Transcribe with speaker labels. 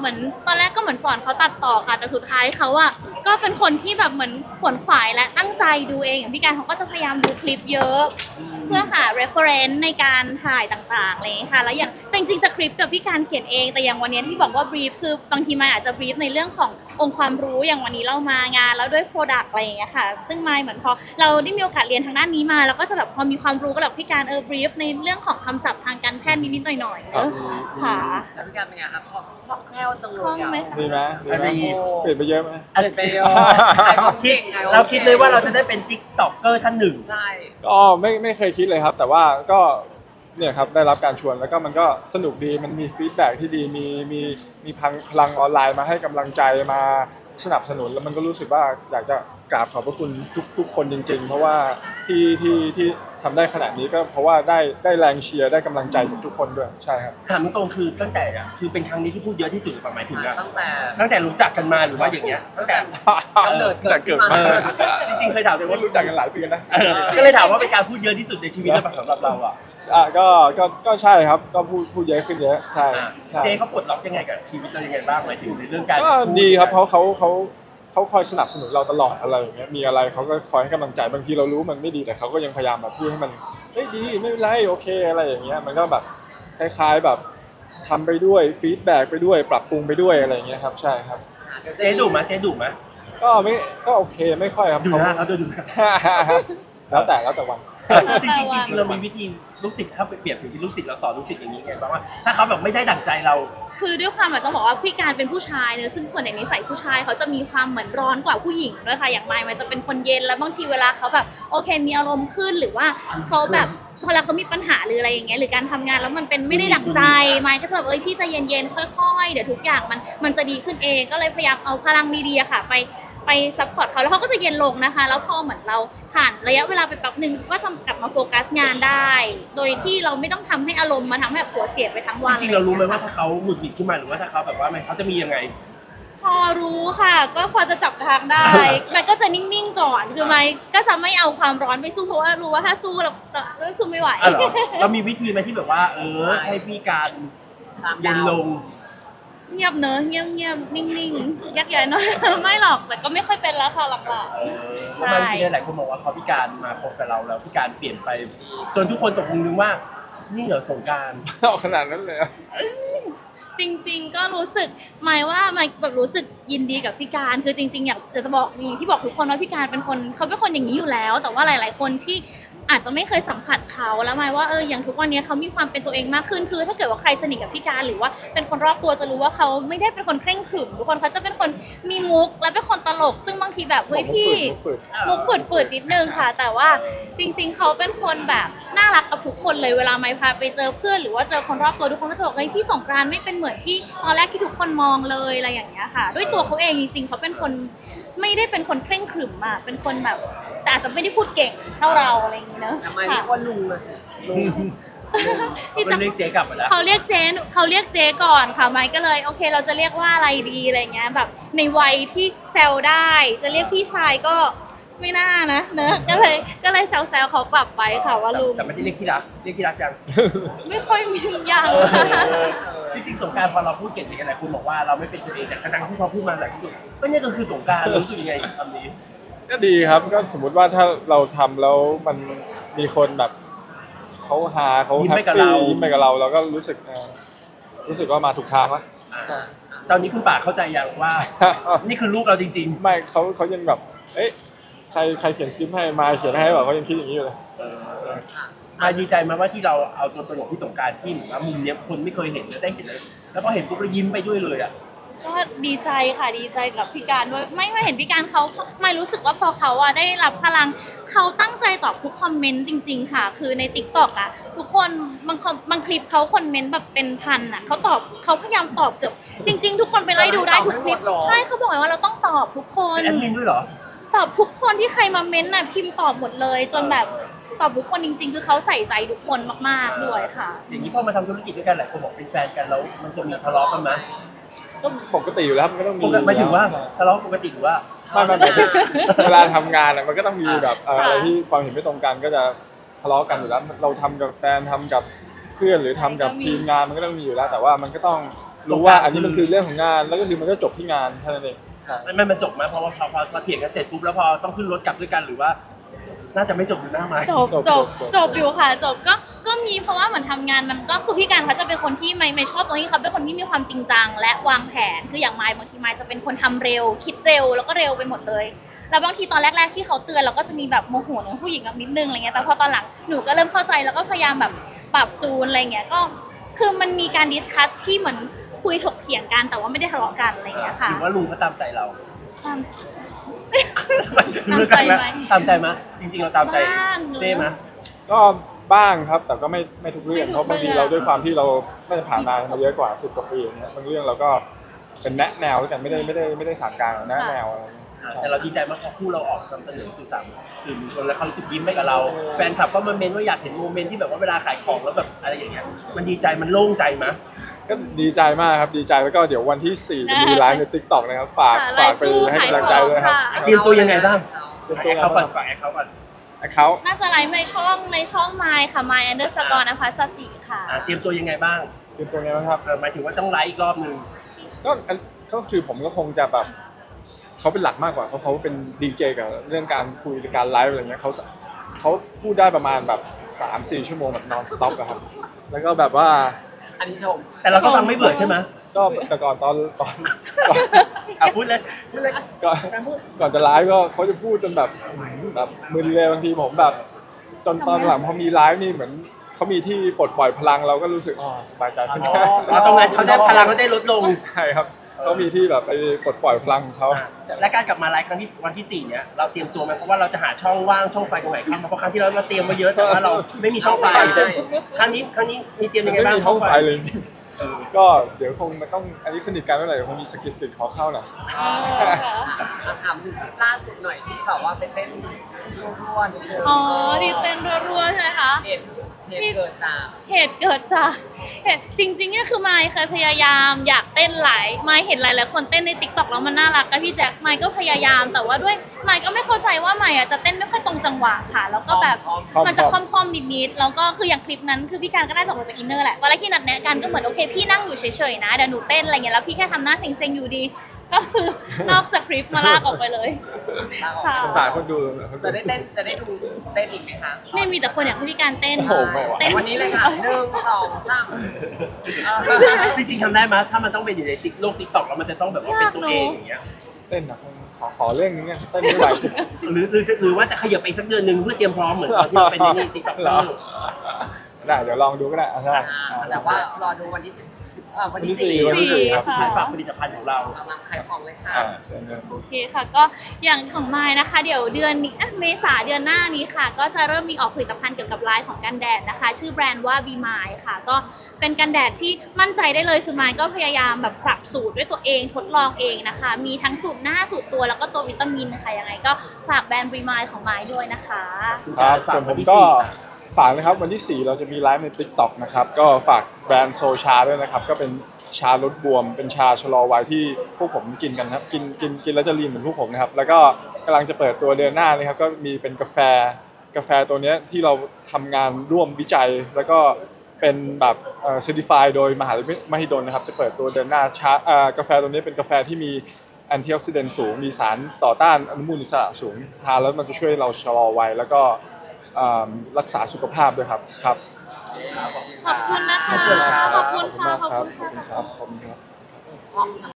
Speaker 1: เหมือนตอนแรกก็เหมือนสอนเขาตัดต่อค่ะแต่สุดท้ายเขาอะก็เป็นคนที่แบบเหมือนขวนขวายและตั้งใจดูเองอย่างพี่การเขาก็จะพยายามดูคลิปเยอะเพื่อหา reference ในการถ่ายต่างๆอะไรอย่างเงี้ยค่ะแล้วอย่างแต่จริงๆสคริปต์กับพี่การเขียนเองแต่อย่างวันนี้ที่บอกว่า brief คือบางทีมายอาจจะ brief ในเรื่องขององค์ความรู้อย่างวันนี้เรามางานแล้วด้วย product อะไรอย่างเงี้ยค่ะซึ่งมายเหมือนพอเราได้มีโอกาสเรียนทางด้านนี้มาแล้วก็จะแบบพอมีความรู้ก็แบบพี่การbrief ในเรื่องของคำศัพท์ทางการแพทย์นิดๆหน่อยๆค่ะ
Speaker 2: แล้วพี่การเป็นไงครับคล่องแคล่วจังเล
Speaker 1: คล่อง
Speaker 2: ย
Speaker 1: ไหม
Speaker 2: อ่ะ
Speaker 1: คะ
Speaker 3: ดีไหมดีไหมเปลี่ยนไปเยอะไหม
Speaker 2: อะไรไปเยอะขายของ
Speaker 4: คิ
Speaker 2: เก่
Speaker 4: ด
Speaker 2: งขายของ
Speaker 4: เราคิดเลยว่าเรา
Speaker 2: ก่ง
Speaker 4: จะได้เป็นติ๊กต็อกเกอร์ท่านหนึ่ง
Speaker 2: ใช่
Speaker 3: ก็ไม่เคยคิดเลยครับ แต่ว่าก็เนี่ยครับได้รับการชวนแล้วก็มันก็สนุกดีมันมีฟีดแบ็กที่ดีมีพลังออนไลน์มาให้กำลังใจมาสนับสนุนแล้วมันก็รู้สึกว่าอยากจะกราบขอบพระคุณทุกคนจริงๆ เพราะว่าที่ทำได้ขนาดนี้ก็เพราะว่าได้แรงเชียร์ได้กำลังใจจากทุกคนด้วยใช่ครับ
Speaker 4: ถามตรงๆคือตั้งแต่อะคือเป็นครั้งนี้ที่พูดเยอะที่สุดหมายถึงอะ
Speaker 2: ตั้งแต่
Speaker 4: รู้จักกันมาหรือว่าอย่างเงี้ยตั้งแต่
Speaker 2: กำเนิด
Speaker 3: แต่เกิดมา
Speaker 4: จริงๆเคยถามเลย
Speaker 3: ว่า
Speaker 4: ว่า
Speaker 3: รู้จักกันหลายปีนะ
Speaker 4: ก็เลยถามว่าเป็นการพูดเยอะที่สุดในชีวิตหรือเปล่าสำหรับเราอ่ะ
Speaker 3: ก็ใช่ครับก็พูดเยอะขึ้นเยอะใช่
Speaker 4: เจเขาปลดล็อกยังไงกับชีวิตเรายังไงบ้างหมายถึงในเรื่องการ
Speaker 3: ก็ดีครับเขาคอยสนับสนุนเราตลอดอะไรอย่างเงี้ยมีอะไรเขาก็คอยให้กำลังใจบางทีเรารู้มันไม่ดีแต่เขาก็ยังพยายามแบบพูดให้มันเฮ้ยดีไม่เป็นไรโอเคอะไรอย่างเงี้ยมันก็แบบคล้ายๆแบบทำไปด้วยฟีดแบ็กไปด้วยปรับปรุงไปด้วยอะไรอย่างเงี้ยครับใช่ครับ
Speaker 4: เจดุมั้ยเจดุมั้ย
Speaker 3: ก็โอเคไม่ค่อยครับ
Speaker 4: ดูหน้าเขาดูหน้า
Speaker 3: แล้วแต่วัน
Speaker 4: จริงๆจริงๆเรามีวิธีลูกศิษย์ถ้าไปเปรียบถึงที่ลูกศิษย์เราสอนลูกศิษย์อย่างนี้ไงบ้างว่าถ้าเขาแบบไม่ได้ดั่งใจเรา
Speaker 1: คือด้วยความแบบต้องบอกว่าพี่การเป็นผู้ชายเนอะซึ่งส่วนใหญ่นิสัยผู้ชายเขาจะมีความเหมือนร้อนกว่าผู้หญิงด้วยค่ะอย่างไมค์มันจะเป็นคนเย็นแล้วบางทีเวลาเขาแบบโอเคมีอารมณ์ขึ้นหรือว่าเขาแบบพอเขามีปัญหาหรืออะไรอย่างเงี้ยหรือการทำงานแล้วมันเป็นไม่ได้ดั่งใจไมค์ก็จะแบบพี่ใจเย็นๆค่อยๆเดี๋ยวทุกอย่างมันจะดีขึ้นเองก็เลยพยายามเอาพลังดีๆอะค่ะไปซัพพอร์ตเขาแล้วเขาก็จะเย็นลงนะคะแล้วพอเหมือนเราผ่านระยะเวลาไปแป๊บนึงเขาก็จะกลับมาโฟกัสงานได้ โดยที่เราไม่ต้องทำให้อารมณ์มาทำให้แบบหัวเสียไปทั้งวัน
Speaker 4: จริงๆเรารู้ไหมว่าถ้าเขาหงุดหงิดขึ้นมาหรือว่าถ้าเขาแบบว่าเขาจะมียังไง
Speaker 1: พอรู้ค่ะก็พอจะจับทางได้ มันก็จะนิ่งๆก่อนคือไม่ก็จะไม่เอาความร้อนไปสู้เพราะว่ารู้ว่าถ้าสู้เราจะสู้ไม่ไหว
Speaker 4: อ๋อเหรอเรามีวิธีไหมที่แบบว่าให้พี่การเย็นลง
Speaker 1: เงียบเนอะเงียบๆนิ่งๆยักใหญ่หน้อย ไม่หรอกแต่ก็ไม่ค่อยเป็นแล้วค่ะหลัก
Speaker 4: เพราะมันจริงๆหลายคนบอกว่าพอพี่การมาคบกับเราแล้วพี่การเปลี่ยนไป จนทุกคนตกลงนึกว่านี่เหรอสงกรานต์
Speaker 3: เอาขนาดนั้นเลยอะ
Speaker 1: ๆจริง ๆ ก็รู้สึกหมายว่าหมายแบบรู้สึกยินดีกับพี่การคือจริงๆอยากจะบอกอย่างที่บอกทุกคนว่าพี่การเป็นคนเขาเป็นคนอย่างนี้อยู่แล้ว แต่ว่าหลายๆคนที่อาจจะไม่เคยสัมผัสเขาแล้วหมายว่าอย่างทุกวันนี้เขามีความเป็นตัวเองมากขึ้นคือถ้าเกิดว่าใครสนิทกับพี่การหรือว่าเป็นคนรอบตัวจะรู้ว่าเขาไม่ได้เป็นคนเคร่งขรึมทุกคนเขาจะเป็นคนมีมุกและเป็นคนตลก ซึ่งบางทีแบบเฮ้ยพี่ มุกฝืดๆนิดนึงค่ะ แต่ว่าจริงๆเขาเป็นคนแบบน่ารักกับทุกคนเลยเวลาไม่พาไปเจอเพื่อนหรือว่าเจอคนรอบตัวทุกคนก็จะบอกเฮ้ยพี่สงกรานต์ไม่เป็นเหมือนที่ตอนแรกที่ทุกคนมองเลยอะไรอย่างเงี้ยค่ะ ด้วยตัวเขาเองจริงๆเขาเป็นคนไม่ได้เป็นคนเคร่งขรึมอะเป็นคนแบบแต่อาจจะไม่ได้พูดเก่งเท่าเราอะไรอย่างเงี้ยเนอะ
Speaker 2: ทำไมเรียกว่าลุงเลยลุง
Speaker 4: เขาก็เรียกเจ๊กลับมาแล้ว
Speaker 1: เขาเรียกเจ๊ก่อนค่ะไมค์ก็เลยโอเคเราจะเรียกว่าอะไรดีอะไรเงี้ยแบบในวัยที่แซวได้จะเรียกพี่ชายก็ไม่น่านะเนอะก็เลยแซวเขากลับไปค่ะว่าลุง
Speaker 4: แต่ไม่ได้เรียกที่รักเรียกที่รักยัง
Speaker 1: ไม่ค่อยมีอย่าง
Speaker 4: จริงๆสงกรานต์พอเราพูดเก่งๆหลายคนบอกว่าเราไม่เป็นตัวเองแต่กระดังที่พอพูดมาหลายที่สุดก็เนี่ยก็คือสงกรานต์รู้สึกยังไงกับคำนี้
Speaker 3: ก็ดีครับก็สมมุติว่าถ้าเราทำแล้วมันมีคนแบบเขาฮาเขา
Speaker 4: ยิ้ม
Speaker 3: แฮ
Speaker 4: ไป
Speaker 3: ป
Speaker 4: กับ
Speaker 3: ปี้
Speaker 4: เรา
Speaker 3: ยิ้มไปกับเราเราก็รู้สึกว่ามาถูกทางแล้ว
Speaker 4: ตอนนี้คุณป่าเข้าใจยังว่า นี่คือลูกเราจริง
Speaker 3: ไม่เขายังแบบเอ๊ะใครเขียนสคริปต์ให้มาเขียนให้แบบเขายังคิดอย่างนี้อยู่เลย
Speaker 4: ๆมาดีใจไหมว่าที่เราเอาตัวตลกพี่สงกรานต์ที่ว่ามุมเนี้ยคนไม่เคยเห็นแล้วได้เห็นแล้วพอเห็นปุ๊บแล้วยิ้มไปด้วยเลยอ่ะ
Speaker 1: ก็ดีใจค่ะดีใจกับพี่การด้วยไม่เห็นพี่การเขาไม่รู้สึกว่าพอเขาอะได้รับพลังเขาตั้งใจตอบทุกคอมเมนต์จริงๆค่ะ คือใน TikTok อะทุกคนบางคลิปเขาคอมเมนต์แบบเป็นพันอะเขาพยายามตอบเกือบจริงๆทุกคนไปไล่ดูได้ทุกคลิปใช่เขาบอกว่าเราต้องตอบทุกคน
Speaker 4: เป็นแอดมินด้วยเหรอ
Speaker 1: ตอบทุกคนที่ใครมาเม้นต์น่ะพิมพ์ตอบหมดเลย จนแบบตอบทุกคนจริงๆ คือเขาใส่ใจทุกคนมากๆด้วยค่ะ
Speaker 4: อย่างนี้พอมาทำธุรกิจด้วยกันหลายคนบอกเป็นแฟนกันแล้วมันจะมีทะเลาะกันไหม
Speaker 3: ก็ปกติอยู่แล้วมันก็ต้องมี
Speaker 4: หมายถึงว่าทะเลาะปกติหรือว่า
Speaker 3: ไม่เวลาทำงานอะมันก็ต้องมีแบบอะไรที่ความเห็นไม่ตรงกันก็จะทะเลาะกันอยู่แล้วเราทำกับแฟนทำกับเพื่อนหรือทำกับทีมงานมันก็ต้องมีอยู่แล้ว แต่ว่ามันก็ต้องรู้ว่าอันนี้มันคือเรื่องของงานแล้วก็คือมันก็จบที่งานแค่นั้นเองใช่
Speaker 4: มันจบไหมเพราะว่าพอเถียงกันเสร็จปุ๊บแล้วพอต้องขึ้นรถกลับด้วยกันหรือว่า น่าจะไม่จบอยู่หน้าไม้
Speaker 1: จบอยู่ค่ะจบก็มีเพราะว่าเหมือนทำงานมันก็คือพี่การเขาจะเป็นคนที่ไม่ชอบตรงที่เขาเป็นคนที่มีความจริงจังและวางแผนคืออย่างไมค์บางทีไมค์จะเป็นคนทำเร็วคิดเร็วแล้วก็เร็วไปหมดเลยแล้วบางทีตอนแรกๆที่เขาเตือนเราก็จะมีแบบโมโหของผู้หญิงแบบนิดนึงอะไรเงี้ยแต่พอตอนหลังหนูก็เริ่มเข้าใจแล้วก็พยายามแบบปรับจูนอะไรเงี้ยก็คือมันมีการดิสคัสที่เหมือนคุยถกเถียงกันแต่ว่าไม่ได้ทะเลาะกันอะไรเงี้ยค่ะ
Speaker 4: หรือว่าลุงเขาตามใจเรา
Speaker 1: ตาม
Speaker 4: เลือกกันแล้วตามใจไหมจริงๆเราตามใจ
Speaker 1: บ้าง
Speaker 4: เจ๊ไหม
Speaker 3: ก็บ้างครับแต่ก็ไม่ทุกเรื่องเพราะบางทีเราด้วยความที่เราน่าจะผ่านมาเยอะกว่า10 กว่าปีอย่างเงี้ยบางเรื่องเราก็เป็นแนะแนวแต่ไม่ได้สานกลางแนะแนวอะไรเงี้ยใช่
Speaker 4: แต่เราดีใจมากเพราะคู่เราออกนำเสนอสื่อสารสื่อมวลชนแล้วเขารู้สึกยิ้มให้กับเรา แฟนคลับก็มาเมนว่าอยากเห็นโมเมนต์ที่แบบว่าเวลาขายของแล้วแบบอะไรอย่างเงี้ยมันดีใจมันโล่งใจไหม
Speaker 3: ก็ดีใจมากครับดีใจแล้วก็เดี๋ยววันที่ 4 จะมีไลฟ์ใน TikTok นะครับฝากไปให้กำลังใจด้วยนะครับ
Speaker 4: เตรียมตัวยังไงบ้าง
Speaker 3: เตรียม
Speaker 4: ฝาก
Speaker 3: ตัว
Speaker 4: แอคเขาก่อนฝากแอคเขาก่อน
Speaker 3: เขา
Speaker 1: น่าจะไลฟ์ในช่องไมค์ค่ะ My Underscore นภัสศรีค่ะ
Speaker 4: เตรียมตัวยังไงบ้าง
Speaker 3: เตรียมตัวไงบ้างครับ
Speaker 4: หมายถึงว่าต้องไลฟ์อีกรอบนึง
Speaker 3: ก็คือผมก็คงจะแบบเขาเป็นหลักมากกว่าเพราะเขาเป็นดีเจกับเรื่องการคุยการไลฟ์อะไรเงี้ยเขาพูดได้ประมาณแบบ 3-4 ชั่วโมงแบบ non stop อะครับแล้วก็แบบว่า
Speaker 2: อันนี้ชม
Speaker 4: แต่เราก็ฟังไม่เบื่อใช่ไหม
Speaker 3: ก็แต่ก่อนตอน
Speaker 4: พูดเลย
Speaker 3: ก่อนจะไลฟ์ก็เขาจะพูดจนแบบมึนเลยบางทีผมแบบ จนตอนหลังพอมีไลฟ์นี่เหมือนเขามีที่ปลดปล่อยพลังเราก็รู้สึกสบายใจขึ้น
Speaker 4: ตรงนั้นเขาได้พลังเขาได้ลดลง
Speaker 3: ใช่ครับเขามีที่แบบไปปลดปล่อยพลังของเขา
Speaker 4: และการกลับมาไลฟ์ครั้งที่วันที่ 4 เนี่ยเราเตรียมตัวไหมเพราะว่าเราจะหาช่องว่างช่องไฟตรงไหนเข้ามาเพราะครั้งที่เราเตรียมมาเยอะแต่ว่าเราไม่มีช่องไฟครั้งนี้มีเตรียมยังไง
Speaker 3: ไม่
Speaker 4: บ้าง
Speaker 3: มีห้องไฟเลยจริงๆก็เดี๋ยวคงมันต้องอันนี้สนิทกันเมื่อไหร่เดี๋ยวคงมีสกิลขอเข้าหน่อย
Speaker 2: มาถามถึงคลิปล่าสุดหน่อยที่แบบว่าไปเต้นรัวๆนิดนึง
Speaker 1: อ๋อดีเต้นรัวๆใช่ไหมคะ
Speaker 2: เหตุเกิดจาก
Speaker 1: เหตุเกิดจากจริงๆเนี่ยคือไมค์เคยพยายามอยากเต้นไมค์เห็นหลายๆคนเต้นใน TikTok แล้วมันน่ารักกับพี่แจ็คไมค์ก็พยายามแต่ว่าด้วยไมค์ก็ไม่เข้าใจว่าไมค์จะเต้นไม่ค่อยตรงจังหวะค่ะแล้วก็แบบมันจะค่อมๆนิดๆแล้วก็คืออย่างคลิปนั้นคือพี่การก็ได้ส่งมาจากอินเนอร์แหละตอนแรกที่นัดแนะกันก็เหมือนโอเคพี่นั่งอยู่เฉยๆนะเดี๋ยวหนูเต้นอะไรเงี้ยแล้วพี่แค่ทำหน้าเซ็งๆอยู่ดีก็คือนอกสคริปต์มาลากออกไปเลยค่ะ
Speaker 3: สายคนดู
Speaker 2: จะได้เต้นจะได้ดูเต้นอีกไหมคะ
Speaker 1: ไม่มีแต่คนอยากให้พี่การเต้น
Speaker 3: โอ้โหไม่ไหว
Speaker 1: เต้น
Speaker 2: วันนี้เลยค่ะ1 2 3
Speaker 4: จริงๆทำได้ไหมถ้ามันต้องเป็นอยู่ในโลกติ๊กต็อกแล้วมันจะต้องแบบว่าเป็นตัวเองอย่างเงี้ย
Speaker 3: เต้นนะขอเรื่องนึงเนี่ยเต้นไม่ไหว
Speaker 4: หรือว่าจะขยับไปอีกสักเดือนหนึ่งเพื่อเตรียมพร้อมเหมือนตอนที่เราเป็นในติ๊กต็อก
Speaker 3: เหรอได้เดี๋ยวลองดูก็ได้ใช่
Speaker 2: แต่ว่ารอดูวันที่วันที่
Speaker 3: วันที่
Speaker 2: 4
Speaker 4: สุดท้ายฝากผลิตภัณฑ์ของเรา
Speaker 2: กำลังขายของเลยค่ะ
Speaker 3: เชิญเลย
Speaker 1: โอเคค่ะก็อย่างของไมล์นะคะ เดี๋ยวเดือนนี้เมษาเดือนหน้านี้ค่ะ ก็จะเริ่มมีออกผลิตภัณฑ์เกี่ยวกับไลน์ของกันแดดนะคะ ชื่อแบรนด์ว่า Be Mine ค่ะ ก็เป็นกันแดดที่มั่นใจได้เลยคือไมล์ก็พยายามแบบปรับสูตรด้วยตัวเองทดลองเองนะคะ มีทั้งสูตรหน้าสูตรตัวแล้วก็ตัววิตามินค่ะยังไงก็ฝากแบรนด์ Be Mine ของไมล์ด้วยนะคะ
Speaker 3: ครับส่วนผมก็ฝากนะครับวันที่ 4 เราจะมีไลฟ์ใน TikTok นะครับก็ฝากแบรนด์โซชาด้วยนะครับก็เป็นชาลดบวมเป็นชาชะลอวัยที่พวกผมกินกันครับกินแล้วจะลีนเหมือนพวกผมนะครับแล้วก็กำลังจะเปิดตัวเดือนหน้านะครับก็มีเป็นกาแฟตัวเนี้ยที่เราทำงานร่วมวิจัยแล้วก็เป็นแบบcertified โดยมหาวิทยาลัยมหิดลนะครับจะเปิดตัวเดือนหน้ากาแฟตัวนี้เป็นกาแฟที่มีแอนตี้ออกซิเดนต์สูงมีสารต่อต้านอนุมูลอิสระสูงทานแล้วมันจะช่วยเราชะลอวัยแล้วก็รักษาสุขภาพด้วยครับครับ
Speaker 1: ขอบคุณนะคะ ขอบคุณค่ะ
Speaker 3: ขอบคุณครับขอบคุณครับ